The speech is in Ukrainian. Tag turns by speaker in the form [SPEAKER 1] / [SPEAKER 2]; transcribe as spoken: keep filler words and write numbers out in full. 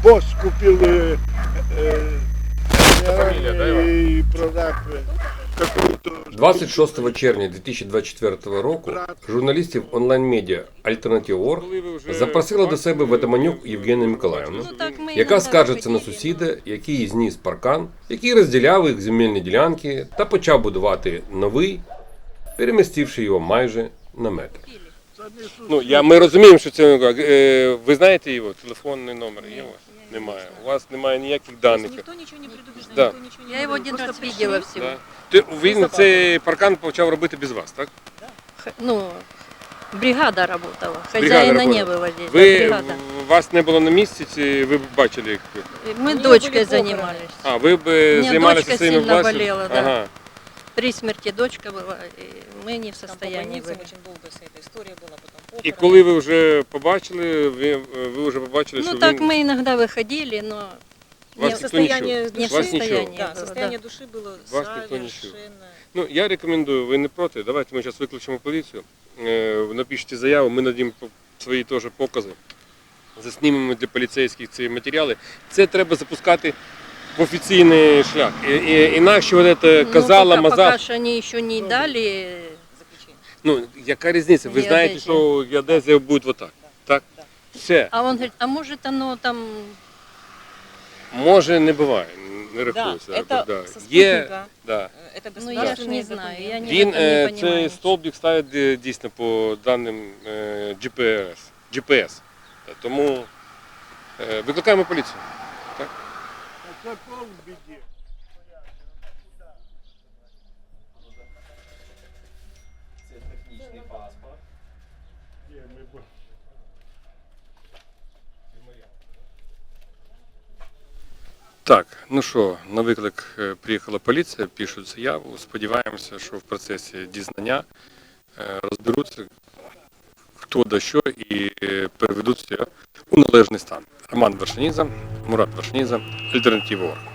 [SPEAKER 1] босс купил э, э,
[SPEAKER 2] Фамилия, да, Иван?
[SPEAKER 1] и продав э, какую-то...
[SPEAKER 2] двадцять шостого червня дві тисячі двадцять четвертого року журналістів онлайн-медіа Альтернатива.орг запросила до себе Ватаманюк Євгенію Миколаївну, яка скаржиться на сусіда, який зніс паркан, який розділяв їх земельні ділянки та почав будувати новий, перемістивши його майже на метр. Ну, я, ми розуміємо, що це, е, ви знаєте його, телефонний номер є у вас? Немає. У вас немає ніяких даних.
[SPEAKER 3] Никто ничего не предупреждал,
[SPEAKER 2] Да.
[SPEAKER 3] никто ничего не
[SPEAKER 4] Я его
[SPEAKER 3] говорил,
[SPEAKER 4] один
[SPEAKER 3] просто
[SPEAKER 4] раз
[SPEAKER 3] пришли.
[SPEAKER 4] видела всего.
[SPEAKER 2] Да. Ти, він цей паркан почав робити без вас, так?
[SPEAKER 4] Х- Ну, бригада работала.
[SPEAKER 2] Бригада
[SPEAKER 4] Хозяина не
[SPEAKER 2] работала.
[SPEAKER 4] было здесь.
[SPEAKER 2] Ви,
[SPEAKER 4] да, бригада.
[SPEAKER 2] вас не було на місці, чи ви бачили їх?
[SPEAKER 4] Мы
[SPEAKER 3] У неё
[SPEAKER 4] дочкой
[SPEAKER 3] были похороны.
[SPEAKER 4] занимались.
[SPEAKER 2] А, ви б
[SPEAKER 4] У мене
[SPEAKER 2] займалися
[SPEAKER 4] дочка
[SPEAKER 2] своїми
[SPEAKER 4] сильно
[SPEAKER 2] власними?
[SPEAKER 4] болела, да.
[SPEAKER 2] Ага.
[SPEAKER 4] При смерти дочка была, и мы не в
[SPEAKER 3] Там по
[SPEAKER 4] состоянии
[SPEAKER 3] больницам
[SPEAKER 4] были.
[SPEAKER 3] очень долго вся эта история была, потом
[SPEAKER 2] І
[SPEAKER 3] похороны.
[SPEAKER 2] коли ви вже побачили, ви, ви вже побачили,
[SPEAKER 4] Ну
[SPEAKER 2] що
[SPEAKER 4] так
[SPEAKER 2] він...
[SPEAKER 4] мы иногда выходили, но
[SPEAKER 2] Вас
[SPEAKER 4] не,
[SPEAKER 2] ніхто
[SPEAKER 3] состояние
[SPEAKER 2] нічого?
[SPEAKER 4] не в
[SPEAKER 2] Вас
[SPEAKER 4] состоянии
[SPEAKER 2] нічого?
[SPEAKER 3] Да,
[SPEAKER 4] было,
[SPEAKER 3] состояние
[SPEAKER 4] да.
[SPEAKER 3] души было
[SPEAKER 2] Вас никто не чует.
[SPEAKER 3] совершенно...
[SPEAKER 2] Ну, я рекомендую, ви не проти, давайте ми зараз виключимо поліцію, е, напишіть заяву, ми надім свої теж покази, заснімемо для поліцейських ці матеріали. Це треба запускати в офіційний шлях. І, і, інакше от це
[SPEAKER 4] Ну,
[SPEAKER 2] казала,
[SPEAKER 4] пока,
[SPEAKER 2] мазав.
[SPEAKER 4] пока что они еще не дали.
[SPEAKER 3] заключение.
[SPEAKER 2] Ну, яка різниця? Ви знаєте,
[SPEAKER 4] Геодезія.
[SPEAKER 2] що геодезія буде отак. Так? Все.
[SPEAKER 4] А он говорит, а может оно там...
[SPEAKER 2] Може, не буває, не
[SPEAKER 3] Да,
[SPEAKER 2] рахується.
[SPEAKER 3] это
[SPEAKER 2] да.
[SPEAKER 3] со
[SPEAKER 2] Є,
[SPEAKER 3] спутника,
[SPEAKER 2] да.
[SPEAKER 3] э, это
[SPEAKER 4] Ну я ж
[SPEAKER 3] государственные
[SPEAKER 4] не знаю, я
[SPEAKER 3] документы.
[SPEAKER 4] не,
[SPEAKER 2] Він,
[SPEAKER 4] в этом
[SPEAKER 2] е,
[SPEAKER 4] не понимаю.
[SPEAKER 2] цей
[SPEAKER 4] ничего.
[SPEAKER 2] стовбик ставить е, дійсно по даним е, джі пі ес. джі пі ес. Та Тому е, викликаємо поліцію. Так?
[SPEAKER 1] Это пол в беде.
[SPEAKER 5] Це технічний паспорт.
[SPEAKER 1] Не, мы б-
[SPEAKER 2] Так, ну що, на виклик е, приїхала поліція, пишуть заяву. Сподіваємося, що в процесі дізнання е, розберуться, хто да що, і е, переведуться у належний стан. Роман Вершиніза, Мурат Вершиніза, Альтернатива.орг.